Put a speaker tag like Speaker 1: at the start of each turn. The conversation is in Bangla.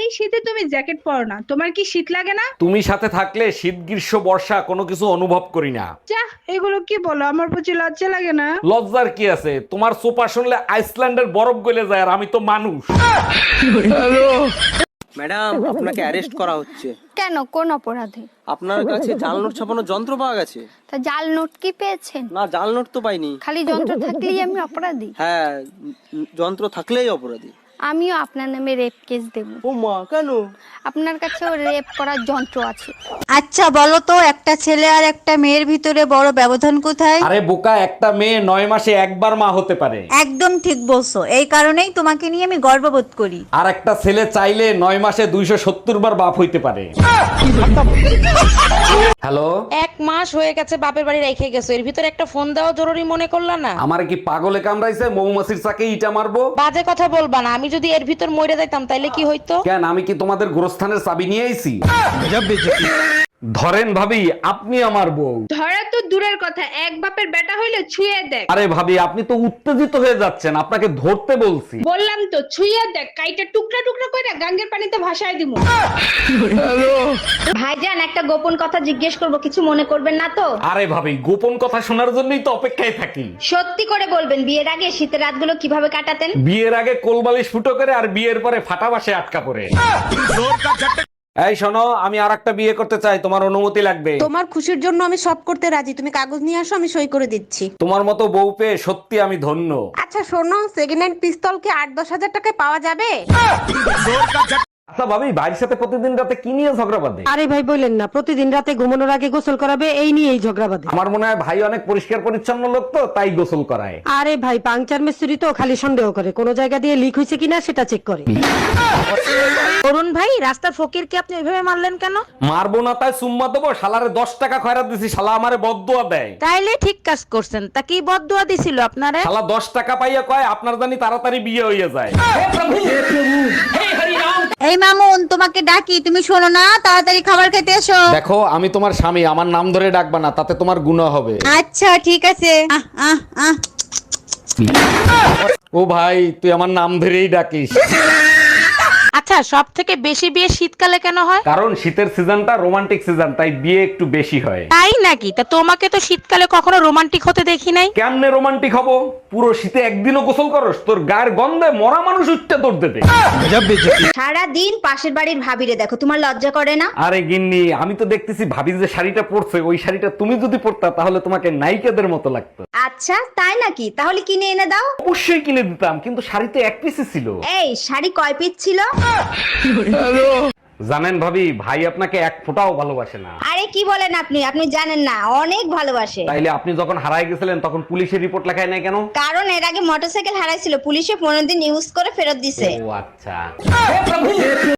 Speaker 1: এই শীতে তুমি জ্যাকেট পরো না, তোমার কি শীত লাগে না?
Speaker 2: তুমি সাথে থাকলে শীত গ্রীষ্ম বর্ষা কোনো কিছু অনুভব করি না।
Speaker 1: যা, এগুলো কি বলো, আমার প্রতি লজ্জা লাগে না?
Speaker 2: লজ্জার কি আছে, তোমার সোপা শুনলে আইসল্যান্ডের বরফ গলে যায় আর আমি তো মানুষ।
Speaker 3: ম্যাডাম, আপনাকে অ্যারেস্ট করা হচ্ছে।
Speaker 4: কেন, কোন অপরাধে?
Speaker 3: আপনার কাছে জাল নোট ছাপানোর যন্ত্র পাওয়া গেছে।
Speaker 4: তা জাল নোট কি পেয়েছেন?
Speaker 3: না, জাল নোট তো পাইনি।
Speaker 4: খালি যন্ত্র থাকলেই আমি অপরাধী?
Speaker 3: হ্যাঁ, যন্ত্র থাকলেই অপরাধী।
Speaker 4: আমিও আপনার নামে রেপ কেস দেব।
Speaker 3: ও মা, কেন?
Speaker 4: আপনার কাছেও রেপ করার যন্ত্র আছে।
Speaker 5: আচ্ছা বলো তো, একটা ছেলে আর একটা মেয়ের ভিতরে বড় ব্যবধান কোথায়?
Speaker 2: আরে বোকা, একটা মেয়ে 9 মাসে একবার মা হতে পারে।
Speaker 5: একদম ঠিক বলছো, এই কারণেই তোমাকে নিয়ে আমি গর্ববোধ করি।
Speaker 2: আর একটা ছেলে চাইলে 9 মাসে 270 বার বাপ হইতে পারে। হ্যালো,
Speaker 6: 1 মাস হয়ে গেছে বাপের বাড়ি রেখে গেছো, এর ভিতরে একটা ফোন দেওয়া জরুরি মনে করলা না?
Speaker 2: আমার কি পাগলে কামড়াইছে? মৌমাছির চাকে ইটা মারবো?
Speaker 6: বাজে কথা বলবা না, আমি যদি এর ভিতর মরে যাইতাম তাইলে কি হইতো?
Speaker 2: কেন, আমি কি তোমাদের গোরস্থানের চাবি নিয়ে আইছি? ধরেন ভাবি, আপনি আমার বউ।
Speaker 1: ধরা তো দূরের কথা, এক বাপের বেটা হইলে ছুঁয়ে দেখ।
Speaker 2: আরে ভাবি, আপনি তো উত্তেজিত হয়ে যাচ্ছেন, আপনাকে ধরতে বলছি।
Speaker 1: বললাম তো ছুঁয়ে দেখ, কাইটা টুকরা টুকরা করে গাঙ্গের পানিতে ভাসায় দিমু।
Speaker 7: ভাইজান, একটা গোপন কথা জিজ্ঞেস করব, কিছু মনে করবেন না তো?
Speaker 2: আরে ভাবি, গোপন কথা শোনার জন্যই তো অপেক্ষায় থাকি।
Speaker 7: সত্যি করে বলবেন, বিয়ের আগে শীতের রাতগুলো কিভাবে কাটাতেন?
Speaker 2: বিয়ের আগে কোলবালিশ ফুটো করে আর বিয়ের পরে ফাটা বাসে আটকা পড়ে। এই শোনো, আমি আরেকটা বিয়ে করতে চাই, তোমার অনুমতি লাগবে।
Speaker 8: তোমার খুশির জন্য আমি সব করতে রাজি, তুমি কাগজ নিয়ে আসো, আমি সই করে দিচ্ছি।
Speaker 2: তোমার মতো বউ পেয়ে সত্যি আমি ধন্য।
Speaker 8: আচ্ছা শোনো, সেকেন্ড হ্যান্ড পিস্তল কি 8-10 হাজার টাকায় পাওয়া যাবে?
Speaker 2: আচ্ছা ভাবি, ভাইয়ের সাথে প্রতিদিন রাতে কি নিয়ে ঝগড়া বাঁধে?
Speaker 8: আরে ভাই বললেন না, প্রতিদিন রাতে ঘুমানোর আগে গোসল করাবে, এই নিয়েই ঝগড়া বাঁধে।
Speaker 2: আমার মনে হয় ভাই অনেক পরিষ্কার পরিচ্ছন্ন লোক, তো তাই গোসল করায়।
Speaker 8: আরে ভাই, পাংচার মিস্ত্রি তো খালি সন্দেহ করে, কোন জায়গা দিয়ে লিক হয়েছে কিনা সেটা চেক করে।
Speaker 6: অরুণ ভাই, রাস্তার ফকিরকে আপনি এইভাবে মারলেন কেন?
Speaker 2: মারবো না তাই সুম্মা দেবো? শালারে 10 টাকা খয়রাত দিছি, শালা আমারে বদদুয়া দেয়।
Speaker 6: তাইলে ঠিক কাজ করছেন। তা কি বদদুয়া দিছিল আপনারে?
Speaker 2: শালা 10 টাকা পাইয়া কয় আপনার জানি তাড়াতাড়ি বিয়ে হয়ে যায়।
Speaker 5: এই মামুন, তোমাকে ডাকি, তুমি শোনো না, তাড়াতাড়ি খাবার খেতে এসো।
Speaker 2: দেখো, আমি তোমার স্বামী, আমার নাম ধরে ডাকবা না, তাতে তোমার গুনাহ হবে।
Speaker 5: আচ্ছা ঠিক আছে। আহ আহ আহ
Speaker 2: ও ভাই, তুই আমার নাম ধরেই ডাকিস।
Speaker 6: আচ্ছা, সব থেকে বেশি বিয়ে শীতকালে কেন হয়?
Speaker 2: কারণ শীতের সিজনটা রোমান্টিক সিজন, তাই বিয়ে একটু বেশি হয়।
Speaker 6: তাই নাকি? তা তোমাকে তো শীতকালে কখনো রোমান্টিক হতে দেখি নাই।
Speaker 2: কেমনে রোমান্টিক হবো? পুরো শীতে একদিনও গোসল করস? তোর গায়ের গন্ধে মরা মানুষ উঠতে তোর দেবে।
Speaker 7: সারা দিন পাশের বাড়ির ভাবিরে দেখো, তোমার লজ্জা করে না?
Speaker 2: আরে গিন্নি, আমি তো দেখতেছি ভাবি যে শাড়িটা পরছে, ওই শাড়িটা তুমি যদি পরতা তাহলে তোমাকে নায়িকাদের মতো লাগতো।
Speaker 7: আচ্ছা তাই নাকি? তাহলে কিনে এনে দাও।
Speaker 2: অবশ্যই কিনে দিতাম, কিন্তু শাড়ি তো এক পিসই ছিল।
Speaker 7: এই শাড়ি কয় পিস ছিল?
Speaker 2: জানেন ভাবি, ভাই আপনাকে এক ফোঁটাও ভালোবাসে না।
Speaker 7: আরে কি বলেন আপনি, আপনি জানেন না, অনেক ভালোবাসে।
Speaker 2: তাইলে আপনি যখন হারায় গেছিলেন তখন পুলিশের রিপোর্ট লেখায় নাই কেন?
Speaker 7: কারণ এর আগে মোটরসাইকেল হারাইছিল, পুলিশে 15 দিন ইউজ করে ফেরত দিছে।
Speaker 2: ও আচ্ছা।